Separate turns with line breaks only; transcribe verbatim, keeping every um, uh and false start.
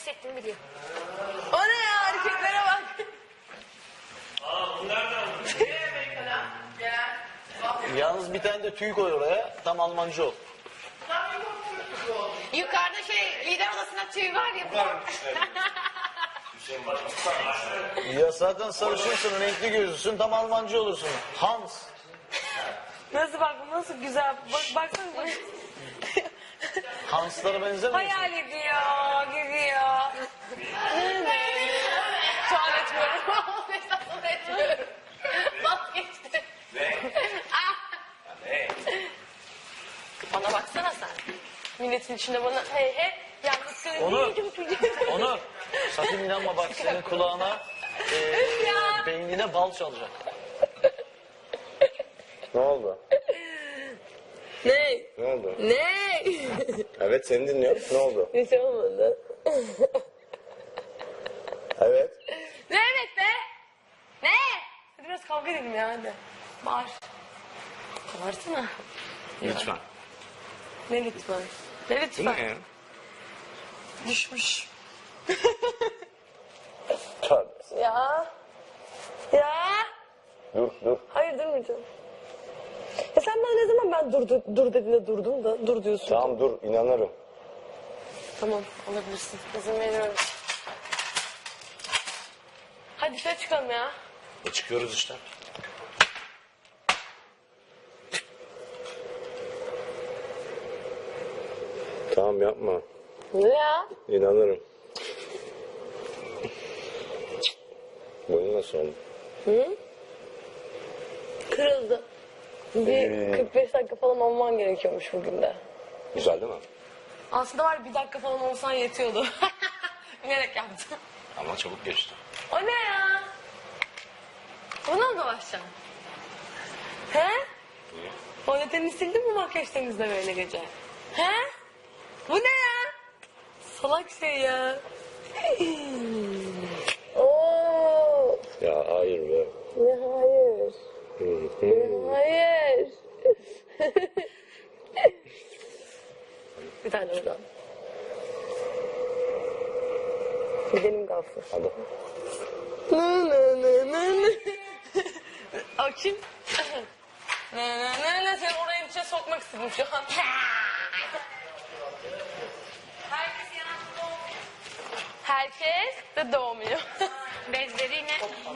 hissettiğimi biliyor.
O ne ya, hareketlere bak.
Aa bunlar da
Yalnız bir tane de tüy koy oraya. Tam Almancı ol.
Yukarıda şey lider odasında tüy var ya.
Hüseyin Başkan.
Ya zaten sarışınsın, renkli gözlüsün. Tam Almancı olursun. Hans.
Nasıl bak, bu nasıl güzel. Bak, baksana. Bak.
Hanslara benzemiyorsun.
Hayal ediyor, gidiyor.
Şu an etmiyorum. Esasını etmiyorum. Vazgeçtim. Ah!
Ne?
Bana baksana sen.
Milletin içinde bana hey hey. Yalnız
Onur. Onur. Sakın inanma bak senin kulağına e,
Ya.
beynine bal çalacak. Ne oldu?
Ne?
Ne oldu?
Ne?
Evet seni dinliyorum. Ne oldu?
Hiç olmadı.
Evet.
Ne evet be? Ne? Hadi biraz kavga edelim ya hadi. Bağır. Bağırsana.
Lütfen.
Ne lütfen? Ne lütfen?
Ne?
Düşmüş.
Tövbe.
Ya. Ya.
Dur dur.
Hayır durmayacağım. Ya sen bana ne zaman ben dur, dur, dur dediğinde durdum da dur diyorsun.
Tamam dur inanırım.
Tamam alabilirsin. İzin veriyorum. Hadi dışarı çıkalım ya.
E çıkıyoruz işte. Tamam yapma.
Ne ya?
İnanırım. Boyun nasıl oldu?
Hı? Kırıldı. Bir
Ee.
kırk beş dakika falan olman gerekiyormuş bugün de.
Güzel değil mi?
Aslında var ya, bir dakika falan olsan yetiyordu. Bilerek yaptım.
Ama çabuk geçti.
O ne ya? Buna mı dolaşacaksın? He?
Niye?
Tuvaletini sildin mi makyaj temizle böyle gece? He? Bu ne ya? Salak şey ya. Oo.
Ya hayır be.
Ne hayır. Ne hayır. Bir tane oradan. Gidelim Gafur.
Hadi.
Nı nı nı nı nı. O kim? Nı nı nı nı. Seni oraya içine sokmak istedim şu an.
Herkes yanakta
Herkes de doğmuyor.
bezleriyle